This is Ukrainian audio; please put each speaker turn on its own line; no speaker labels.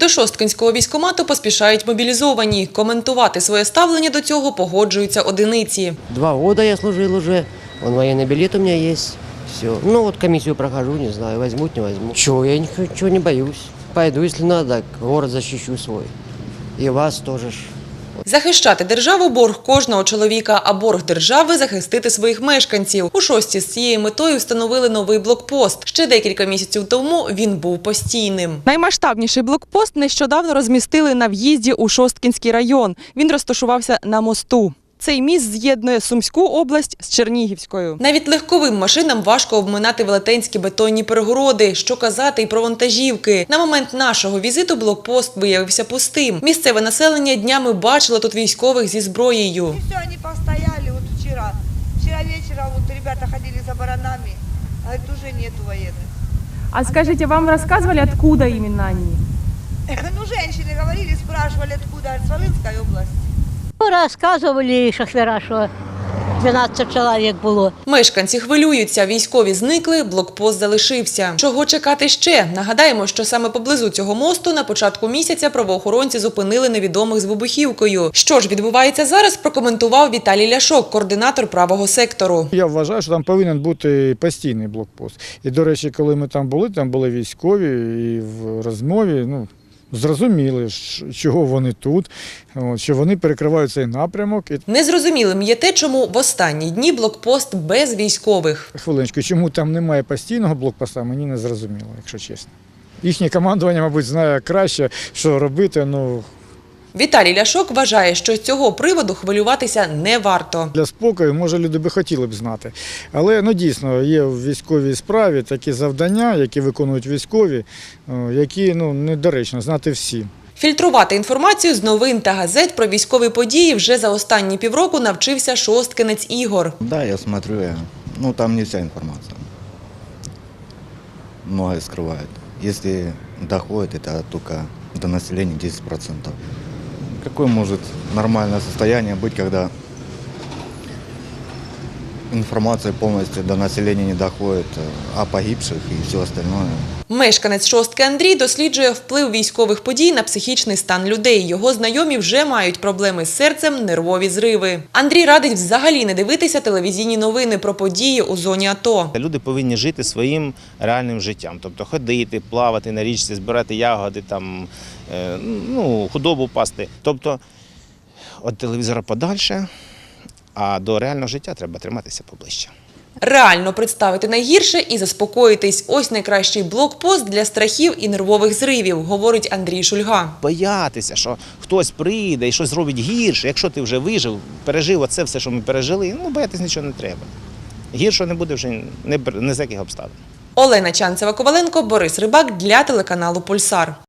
До Шосткинського військкомату поспішають мобілізовані. Коментувати своє ставлення до цього погоджуються одиниці.
2 года я служил уже, военный билет у меня есть. Все. Ну вот комиссию прохожу, не знаю, возьмут, не возьмут. Чего, я ничего не боюсь. Пойду, если надо, город защищу свой. И вас тоже ж.
Захищати державу – борг кожного чоловіка, а борг держави – захистити своїх мешканців. У Шостці з цією метою встановили новий блокпост. Ще декілька місяців тому він був постійним. Наймасштабніший блокпост нещодавно розмістили на в'їзді у Шосткинський район. Він розташувався на мосту. Цей міст з'єднує Сумську область з Чернігівською. Навіть легковим машинам важко обминати велетенські бетонні перегороди. Що казати й про вантажівки. На момент нашого візиту блокпост виявився пустим. Місцеве населення днями бачило тут військових зі зброєю.
И все, они постояли вот вчера. Вчера вечером вот ребята ходили за баранами, говорит, уже нету военных.
А скажите, вам рассказывали, откуда именно они?
Ну, женщины говорили, спрашивали, откуда, говорит, с Волынской области.
Розказували шофера, що 12 чоловік було.
Мешканці хвилюються, військові зникли, блокпост залишився. Чого чекати ще? Нагадаємо, що саме поблизу цього мосту на початку місяця правоохоронці зупинили невідомих з вибухівкою. Що ж відбувається зараз, прокоментував Віталій Ляшок, координатор правого сектору.
Я вважаю, що там повинен бути постійний блокпост. І, до речі, коли ми там були військові і в розмові, зрозуміли, чого вони тут, що вони перекривають цей напрямок.
Незрозумілим є те, чому в останні дні блокпост без військових.
Хвилиночку, чому там немає постійного блокпоста, мені не зрозуміло, якщо чесно. Їхнє командування, мабуть, знає краще, що робити,
Віталій Ляшок вважає, що з цього приводу хвилюватися не варто.
Для спокою, може, люди би хотіли б знати. Але, дійсно, є в військовій справі такі завдання, які виконують військові, які, недоречно знати всі.
Фільтрувати інформацію з новин та газет про військові події вже за останні півроку навчився шосткинець Ігор.
Да, я смотрю, там не вся информация. Многое скрывают. Если доходит, это только до населения 10%. Какое может нормальное состояние быть, когда информация полностью до населения не доходит о погибших и все остальное?
Мешканець Шостки Андрій досліджує вплив військових подій на психічний стан людей. Його знайомі вже мають проблеми з серцем, нервові зриви. Андрій радить взагалі не дивитися телевізійні новини про події у зоні АТО.
Люди повинні жити своїм реальним життям. Тобто ходити, плавати на річці, збирати ягоди, худобу пасти. Тобто від телевізора подальше, а до реального життя треба триматися поближче.
Реально представити найгірше і заспокоїтись. Ось найкращий блокпост для страхів і нервових зривів, говорить Андрій Шульга.
Боятися, що хтось прийде і щось зробить гірше. Якщо ти вже вижив, пережив оце все, що ми пережили, боятися нічого не треба. Гіршого не буде вже не з яких обставин.
Олена Чанцева-Коваленко, Борис Рибак для телеканалу «Пульсар».